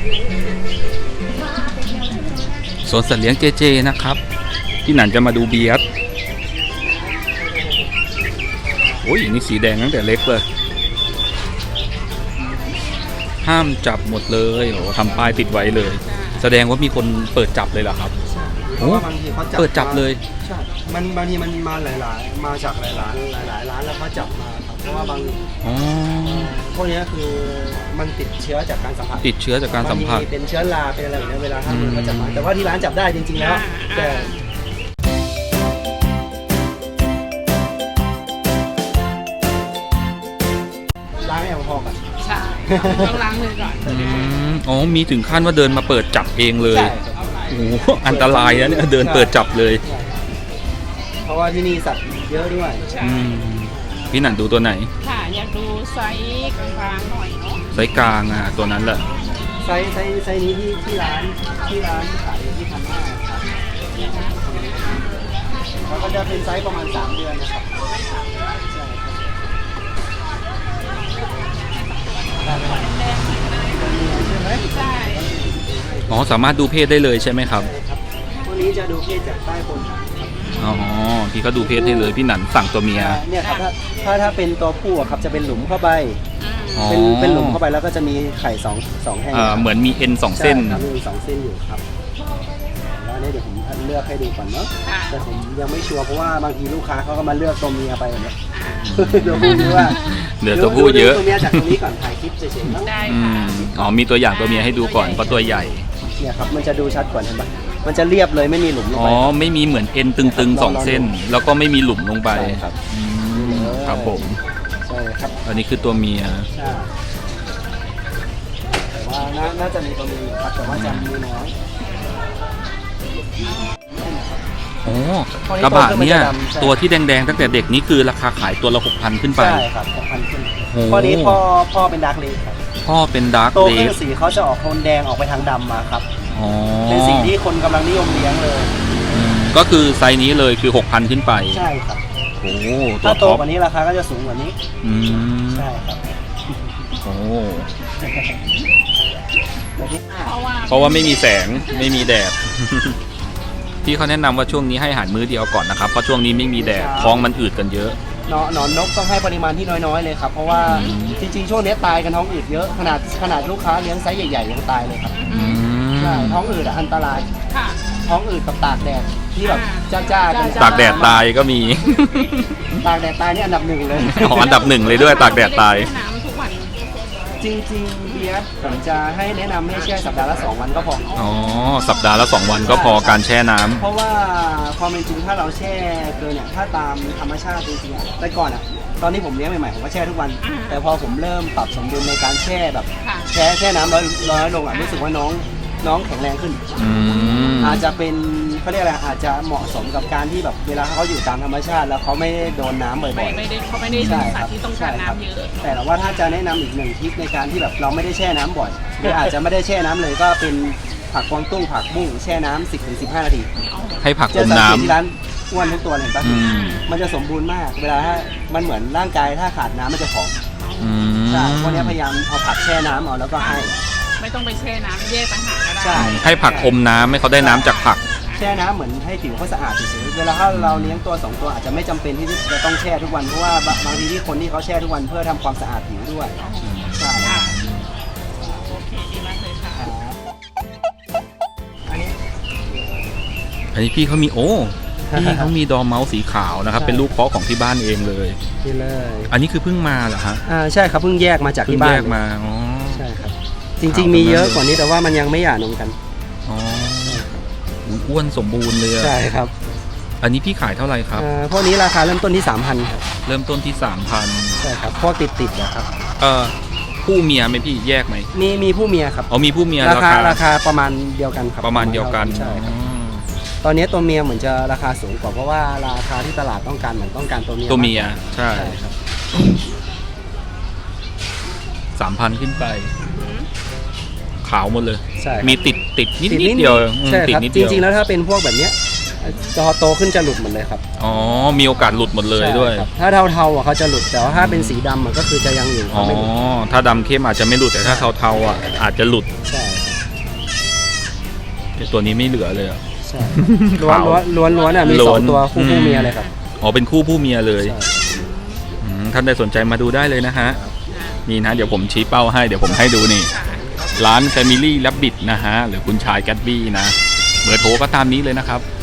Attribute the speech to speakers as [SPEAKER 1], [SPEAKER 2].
[SPEAKER 1] สวนสัตว์เลี้ยงเจเจนะครับพี่หนันจะมาดูเบียร์โอ้ยนี่สีแดงตั้งแต่เล็กเลยห้ามจับหมดเลยโอ้ทำป้ายติดไว้เลยแสดงว่ามีคนเปิดจับเลยเหรอครับ
[SPEAKER 2] เพราะว่าบางทีเขาจับ
[SPEAKER 1] เปิดจับเลย
[SPEAKER 2] ใช่มันบางทีมันมาหลายๆมาจากหลายร้านแล้วเขาจับมาครับเพราะว่าบางพวกนี้คือมันติดเชื้อจากการสัมผัส
[SPEAKER 1] ติดเชื้อจากการสัมผัส
[SPEAKER 2] เป็นเชื้อราเป็นอะไรแบบนี้เวลาห้ามมือเขาจับมาแต่ว่าที่ร้านจับได้จริงๆแล้วแต่ล้างแอลกอฮอล์ก่อน
[SPEAKER 3] ใช่ต้องล้างมือก่อน
[SPEAKER 1] อ๋อมีถึงขั้นว่าเดินมาเปิดจับเองเลยโอ้โหอันตรายนะเนี่ยเดินเปิดจับเลย
[SPEAKER 2] เพราะว่าที่นี่สัตว์เยอะด้วย
[SPEAKER 1] พี่หนันดูตัวไหน
[SPEAKER 3] ค่ะอยากดูไซส์กลางๆหน่อยเนาะ
[SPEAKER 1] ไซส์กลางตัวนั้นแหละ
[SPEAKER 2] ไซส์นี้ที่ร้านขายที่พันห้าครับแล้วก็จะเป็นไซส์ประมาณ3 เดือนนะครับ
[SPEAKER 3] ใช่
[SPEAKER 1] อ๋อสามารถดูเพศได้เลยใช่ไหมครับ
[SPEAKER 2] ตัวนี้จะดูเพศจากใต้บน
[SPEAKER 1] อ๋อพี่เขาดูเพศให้เลยพี่หนันสั่งตัวเมีย
[SPEAKER 2] เนี่ยครับถ้าเป็นตัวผู้ครับจะเป็นหลุมเข้าไปเป็นหลุมเข้าไปแล้วก็จะมีไข่2 แห่ง
[SPEAKER 1] เหมือนมีเอ็น2 เส้น
[SPEAKER 2] มี2 เส้นอยู่ครับแล้วเนี่ยเดี๋ยวผมเลือกให้ดูก่อนเนาะแต่ผมยังไม่ชัวร์เพราะว่าบางทีลูกค้าเขาก็มาเลือกตัวเมียไปแบบนี้ตัวผู้เยอะ
[SPEAKER 1] เหลือตัวผู้เยอะ
[SPEAKER 2] ตัวเมียจากตรงนี้ก่อนถ่ายคลิปเฉยๆเนาะ
[SPEAKER 3] ได้ค่ะ
[SPEAKER 1] อ๋อมีตัวอย่างตัวเมียให้ดูก่อนเพราะตัวใหญ่
[SPEAKER 2] เนี่ยครับมันจะดูชัดกว่าเห็นปะมันจะเรียบเลยไม่มีหลุมลงไป
[SPEAKER 1] อ๋อไม่มีเหมือนเอ็นตึงๆ2 เส้นแล้วก็ไม่มีหลุมลงไป
[SPEAKER 2] ครับ
[SPEAKER 1] ครับผม
[SPEAKER 2] ใช่ครับ
[SPEAKER 1] อันนี้คือตัวเมีย
[SPEAKER 2] ใช่แต่ว่าน่าจะมีตัวเมียครับแต่ว่าจะมีน้อย
[SPEAKER 1] โอ้กระบะเนี่ยตัวที่แดงๆตั้งแต่เด็กนี่คือราคาขายตัวละ 6,000 ขึ้นไป
[SPEAKER 2] ใช่ครับ 6,000 ขึ้นข้อนี้พ่อเป็นดาร์กเลดครับ
[SPEAKER 1] พ่อเป็นดาร์กเลด
[SPEAKER 2] โตขึ้นสีเขาจะออกโทนแดงออกไปทางดำมาครับเป็นสีที่คนกำลังนิยมเลี้ยงเลย
[SPEAKER 1] ก็คือไซส์นี้เลยคือ 6,000 ขึ้นไป
[SPEAKER 2] ใช่ครับ
[SPEAKER 1] โอ้
[SPEAKER 2] ถ้าโตกว่านี้ราคาก็จะสูงกว่านี้ใช่ครับ
[SPEAKER 1] โอ้
[SPEAKER 3] เพ
[SPEAKER 1] ราะว่าไม่มีแสงไม่มีแดดพี่เขาแนะนำว่าช่วงนี้ให้อาหารมื้อเดียวก่อนนะครับเพราะช่วงนี้ไม่มีแดดท้องมันอืดกันเยอะ
[SPEAKER 2] หนอนนกต้องให้ปริมาณที่น้อยๆเลยครับเพราะว่าจริงๆช่วงนี้ตายกันท้องอืดเยอะขนาดลูกค้าเลี้ยงไซส์ใหญ่ๆยังตายเลยครับใช่ท้องอืดอันตรายท้องอืดกับตากแดดที่แบบจ้าๆกัน
[SPEAKER 1] ตากแดดตายก็มี
[SPEAKER 2] ตากแดดตายนี่อันดับ 1เลย
[SPEAKER 1] อ๋ออันดับ 1เลยด้วยตากแดดตาย
[SPEAKER 2] จริงๆเบียร์ผมจะให้แนะนำให้แช่สัปดาห์ละ2 วันก็พอ
[SPEAKER 1] อ๋อสัปดาห์ละ2 วันก็พอการแช่น้ำ
[SPEAKER 2] เพราะว่าความเป็นจริงถ้าเราแช่เกินเนี่ยถ้าตามธรรมชาติจริงๆแต่ก่อนตอนนี้ผมเลี้ยงใหม่ๆผมก็แช่ทุกวันแต่พอผมเริ่มปรับสมดุลในการแช่แบบแช่น้ำน้อยลงรู้สึกว่าน้องแข็งแรงขึ้นอาจจะเป็นเขาเรียกอะไรอาจจะเหมาะสมกับการที่แบบเวลาเขาอยู่ตามธรรมชาติแล้วเขาไม่โดนน้ำบ่อยๆ
[SPEAKER 3] เขาไม่ได้เป็นสัตว์ที่ต้องการน้ำเยอะ
[SPEAKER 2] แต่ว่าถ้าจะแนะนำอีก1 ทริคในการที่แบบเราไม่ได้แช่น้ำบ่อยหรืออาจจะไม่ได้แช่น้ำเลยก็เป็นผักกวางตุ้งผักบุ้งแช่น้ำ10-15 นาที
[SPEAKER 1] ให้ผักอมน้ำ
[SPEAKER 2] ที่ร้านอ้วนทุกตัวเลยปะมันจะสมบูรณ์มากเวลาถ้ามันเหมือนร่างกายถ้าขาดน้ำมันจะผอมใช่พวกนี้พยายามเอาผักแช่น้ำเอาแล้วก็ให้
[SPEAKER 3] ไม่ต้องไปแช่น้ำแยกต่างหากก็ได้
[SPEAKER 1] ให้ผักอมน้ำให้เขาได้น้ำจากผัก
[SPEAKER 2] แช่น้ำเหมือนให้ผิวเขาสะอาดเฉยๆเวลาถ้าเราเลี้ยงตัว2 ตัวอาจจะไม่จำเป็นที่จะต้องแช่ทุกวันเพราะว่าบางทีที่คนที่เขาแช่ทุกวันเพื่อทำความสะอาดผิวด้วยใช่
[SPEAKER 3] โอเคดีมากเลยค่ะ
[SPEAKER 1] อันนี้พี่เขามีพี่เขามีดอร์เมาส์สีขาวนะครับเป็นลูกเพาะของที่บ้านเองเลย
[SPEAKER 2] นี่เลย
[SPEAKER 1] อันนี้คือเพิ่งมาเหรอฮะ
[SPEAKER 2] ใช่ครับเพิ่งแยกมาจากที่บ้าน
[SPEAKER 1] แยกมาอ๋อ
[SPEAKER 2] ใช่ครับจริงๆมีเยอะกว่านี้แต่ว่ามันยังไม่หย่านมกัน
[SPEAKER 1] อ๋ออ้วนสมบูรณ์เลย
[SPEAKER 2] ใช่ครับ
[SPEAKER 1] อันนี้พี่ขายเท่าไหร่ครับ
[SPEAKER 2] พวกนี้ราคาเริ่มต้นที่ 3,000 ครับ
[SPEAKER 1] เริ่มต้นที่ 3,000
[SPEAKER 2] ใช่ครับพวกติดนะครับ
[SPEAKER 1] ผู้เมียไหมพี่แยกไหม
[SPEAKER 2] มีผู้เมียครับ
[SPEAKER 1] มีผู้เมีย
[SPEAKER 2] ราคาประมาณเดียวกันครับ
[SPEAKER 1] ประมาณเดียวกัน
[SPEAKER 2] ใช่ครับตอนนี้ตัวเมียเหมือนจะราคาสูงกว่าเพราะว่าราคาที่ตลาดต้องการเหมือนต้องการตัวเมีย
[SPEAKER 1] ใช่
[SPEAKER 2] ครับ
[SPEAKER 1] 3,000 ขึ้นไปขาวหมดเลย
[SPEAKER 2] ใช่
[SPEAKER 1] มีติดนิดเดียว
[SPEAKER 2] ใช่ครับจริงๆแล้วถ้าเป็นพวกแบบเนี้ยพอโตขึ้นจะหลุดหมดเลยครับ
[SPEAKER 1] อ๋อมีโอกาสหลุดหมดเลยด้วย
[SPEAKER 2] ถ้าเทาๆเขาจะหลุดแต่ว่าถ้าเป็นสีดำก็คือจะยังอยู่
[SPEAKER 1] อ๋อถ้าดำเข้มอาจจะไม่หลุดแต่ถ้าเทาๆอาจจะหลุด
[SPEAKER 2] ใช่
[SPEAKER 1] ตัวนี้ไม่เหลือเลยอะ
[SPEAKER 2] ใช่ล้วนอ่ะมี
[SPEAKER 1] ล้
[SPEAKER 2] ส
[SPEAKER 1] ว
[SPEAKER 2] อน งตัวคู่เมียเลยครับ
[SPEAKER 1] อ๋อเป็นคู่ผู้เมียเลย
[SPEAKER 2] ใช่
[SPEAKER 1] ท่านใดสนใจมาดูได้เลยนะฮะนี่นะเดี๋ยวผมชี้เป้าให้เดี๋ยวผมให้ดูนี่ ร้าน Family Rabbit นะฮะหรือคุณชายแกตบี้นะเบอร์โทรก็ตามนี้เลยนะครับ